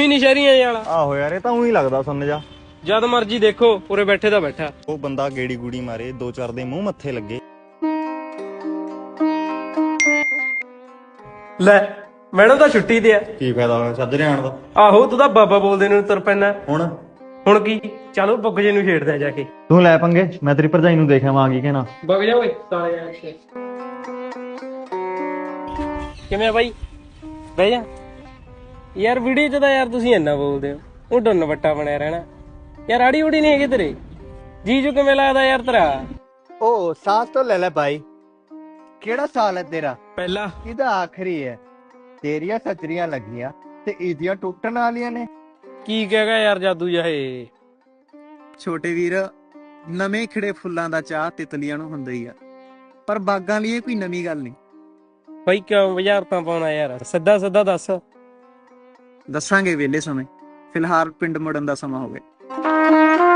ਹੀ ਨਹੀਂ ਸ਼ਹਿਰੀਆਂ ਵਾਲਾ। ਆਹੋ ਯਾਰ, ਇਹ ਤਾਂ ਉਹੀ ਲੱਗਦਾ ਸੁਣ ਜਾ। ਜਦ ਮਰਜੀ ਦੇਖੋ ਉਰੇ ਬੈਠੇ ਦਾ ਬੈਠਾ। ਉਹ ਬੰਦਾ ਗੇੜੀ ਗੂੜੀ ਮਾਰੇ, 2-4 ਦੇ ਮੂੰਹ ਮੱਥੇ ਲੱਗੇ। ਲੈ ਮੈਡਮ ਤਾਂ ਛੁੱਟੀ ਤੇ ਆ। ਕੀ ਫਾਇਦਾ ਹੋਇਆ ਸੱਜਰੇ ਆਣ ਦਾ? ਆਹੋ ਤੂੰ ਤਾਂ ਬਾਬਾ ਬੋਲਦੇ ਨੂੰ ਤੁਰ ਪੈਣਾ। ਹੁਣ ਕੀ ਚਲੋ ਬੁੱਗ ਜੇ ਨੂੰ ਛੇੜਦਾ ਜਾ ਕੇ। ਤੂੰ ਲੈ ਪੰਗੇ, ਮੈਂ ਤੇਰੀ ਭਰਜਾਈ ਨੂੰ ਦੇਖਿਆ ਵਾਂ ਕੀ ਕਹਿਣਾ। ਬਗ ਜਾ ਓਏ ਸਾਲੇ ਯਾਰ। ਕਿਵੇਂ ਆ ਬਾਈ? ਬਹਿ ਜਾ ਯਾਰ। ਵੀਡੀਓ ਚ ਤਾਂ ਯਾਰ ਤੁਸੀਂ ਇੰਨਾ ਬੋਲਦੇ ਹੋ, ਉਹ ਡੁੰਨ ਵੱਟਾ ਬਣਿਆ ਰਹਿਣਾ ਯਾਰ। ਆੜੀ ਉੜੀ ਨਹੀਂ ਹੈਗੀ ਤੇਰੇ ਜੀਜੂ? ਕਿਵੇਂ ਲੱਗਦਾ ਯਾਰ ਤੇਰਾ? ओ सांस तो ले ले भाई। केड़ा साल है तेरा? ਪਹਿਲਾ। ਇਹਦਾ ਆਖਰੀ ਹੈ। ਤੇਰੀਆਂ ਸੱਜਰੀਆਂ ਲੱਗੀਆਂ ਤੇ ਇਹਦੀਆਂ ਟੁੱਟਣ ਵਾਲੀਆਂ ਨੇ। ਕੀ ਕਹੇਗਾ ਯਾਰ ਜਾਦੂ ਜਾਹੇ? ਛੋਟੇ ਵੀਰ, ਨਵੇਂ ਖਿੜੇ ਫੁੱਲਾਂ ਦਾ ਚਾਹ ਤਿਤਲੀਆਂ ਨੂੰ ਹੁੰਦਾ ਹੀ ਆ, ਪਰ ਬਾਗਾਂ ਲਈ ਇਹ ਕੋਈ ਨਵੀਂ ਗੱਲ ਨਹੀਂ। ਬਾਈ ਕਿਉਂ ਬੁਝਾਰਤਾਂ ਪਾਉਣਾ ਯਾਰ? ਸਿੱਧਾ ਸਿੱਧਾ ਦੱਸ। ਦੱਸਾਂਗੇ ਵੇਲੇ ਸਮੇਂ, ਫਿਲਹਾਲ ਪਿੰਡ ਮੁੜਨ ਦਾ ਸਮਾਂ ਹੋ ਗਿਆ।